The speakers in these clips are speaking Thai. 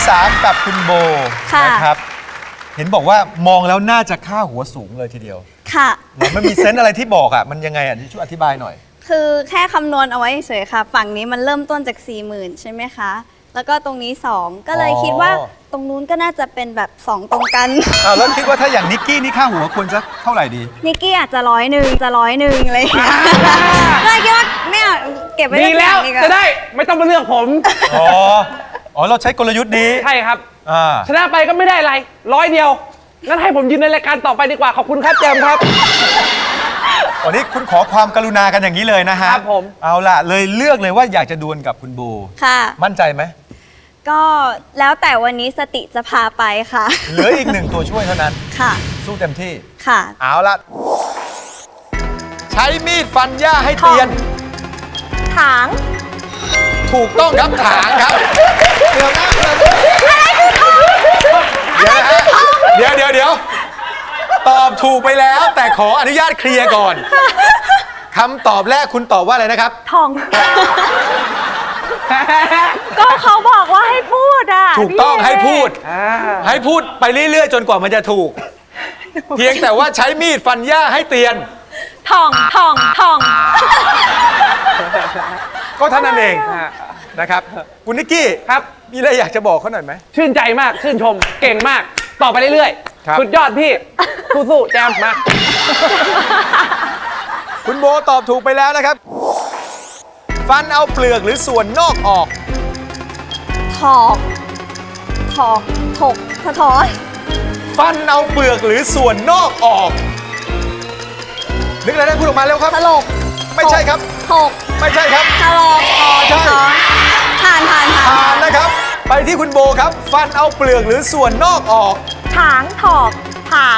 3กับคุณโบนะครับเห็นบอกว่ามองแล้วน่าจะค่าหัวสูงเลยทีเดียวค่ะมันมีเซนส์อะไรที่บอกอ่ะมันยังไงอ่ะช่วยอธิบายหน่อยคือแค่คำนวณเอาไว้เฉยๆค่ะฝั่งนี้มันเริ่มต้นจาก 40,000 ใช่ไหมคะแล้วก็ตรงนี้ 2ก็เลยคิดว่าตรงนู้นก็น่าจะเป็นแบบ 2 ตรงกันแล้วคิดว่าถ้าอย่างนิกกี้นี่ค่าหัวควรจะเท่าไหร่ดีนิกกี้อาจจะ100จะ100อะไรอย่างเงี้ยเลยคิดว่าไม่เอาเก็บไว้ดีแล้วจะได้ไม่ต้องมาเลือกผมอ๋อเราใช้กลยุทธ์นี้ใช่ครับชนะไปก็ไม่ได้อะไร100เดียวงั้นให้ผมยืนในรายการต่อไปดีกว่าขอบคุณครับแจมครับวันนี้คุณขอความกรุณากันอย่างนี้เลยนะฮะครับผมเอาล่ะเลยเลือกเลยว่าอยากจะดวลกับคุณโบค่ะมั่นใจไหมก็แล้วแต่วันนี้สติจะพาไปค่ะเหลืออีก1ตัวช่วยเท่านั้นค่ะสู้เต็มที่ค่ะเอาล่ะใช้มีดฟันหญ้าให้เตียนถางถูกต้องครับถางครับเดี๋ยวนะเดี๋ยวตอบถูกไปแล้วแต่ขออนุญาตเคลียร์ก่อนคำตอบแรกคุณตอบว่าอะไรนะครับทองก็เขาบอกว่าให้พูดอ่ะถูกต้องให้พูดไปเรื่อยๆจนกว่ามันจะถูกเพียงแต่ว่าใช้มีดฟันหญ้าให้เตียนทองก็เท่านั้นเองนะครับคุณนิกกี้ครับมีอะไรอยากจะบอกเขาหน่อยไหมชื่นใจมากชื่นชมเก่งมากต่อไปเรื่อยๆสุดยอดพี่สู้ๆแจมมาคุณโบตอบถูกไปแล้วนะครับฟันเอาเปลือกหรือส่วนนอกออกถอกถอนฟันเอาเปลือกหรือส่วนนอกออกนึกอะไรได้พูดออกมาเร็วครับถลกไม่ใช่ครับถกไม่ใช่ครับถลกใช่ผ่านนะครับไปที่คุณโบครับฟันเอาเปลือกหรือส่วนนอกออกถางถอกถาก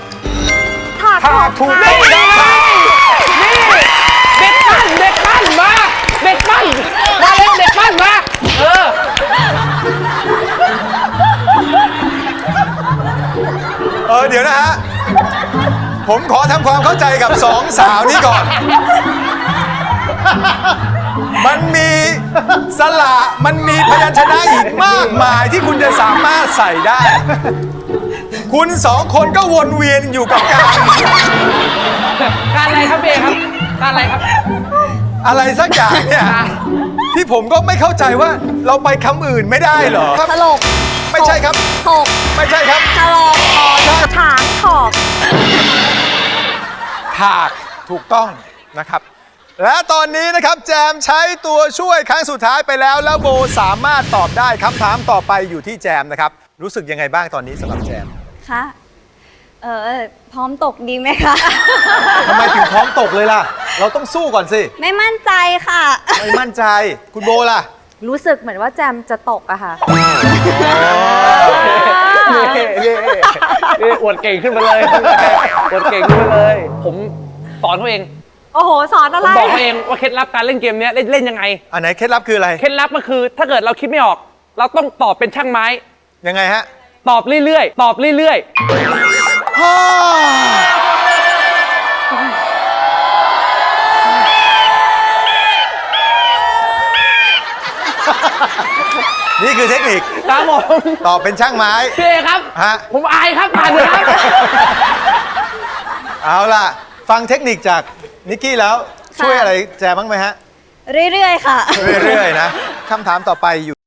ถูกต้องครับนี่เด็กปั้นมาเด็กปั้นมาเร็วเด็กปั้นมาเดี๋ยวนะฮะผมขอทำความเข้าใจกับ2 สาวนี้ก่อนมันมีสระมันมีพยัญชนะอีกมากมายที่คุณจะสามารถใส่ได้คุณ2 คนก็วนเวียนอยู่กับการอะไรครับเบครับการอะไรครับอะไรสักอย่างเนี่ยที่ผมก็ไม่เข้าใจว่าเราไปคำอื่นไม่ได้เหรอถลกไม่ใช่ครับถกไม่ใช่ครับถลกถางถอกถากถูกต้องนะครับและตอนนี้นะครับแจมใช้ตัวช่วยครั้งสุดท้ายไปแล้วแล้วโบสามารถตอบได้คำถามต่อไปอยู่ที่แจมนะครับรู้สึกยังไงบ้างตอนนี้สำหรับแจมคะพร้อมตกดีไหมคะทำไมถึงพร้อมตกเลยล่ะเราต้องสู้ก่อนสิไม่มั่นใจค่ะไม่มั่นใจคุณโบล่ะรู้สึกเหมือนว่าแจมจะตกอะค่ะนี่อวดเก่งขึ้นมาเลยอวดเก่งขึ้นมาเลยผมสอนเขาเองโอ้โหสอนอะไรผมบอกเขาเองว่าเคล็ดลับการเล่นเกมนี้เล่นยังไงอันไหนเคล็ดลับคืออะไรเคล็ดลับก็คือถ้าเกิดเราคิดไม่ออกเราต้องตอบเป็นช่างไม้ยังไงฮะตอบเรื่อยๆตอบเรื่อยนี่คือเทคนิคครับผมตอบเป็นช่างไม้พี่ครับผมอายครับผ่านเลยครับเอาล่ะฟังเทคนิคจากนิกกี้แล้วช่วยอะไรแจมบ้างไหมฮะเรื่อยๆค่ะเรื่อยๆนะคำถามต่อไปอยู่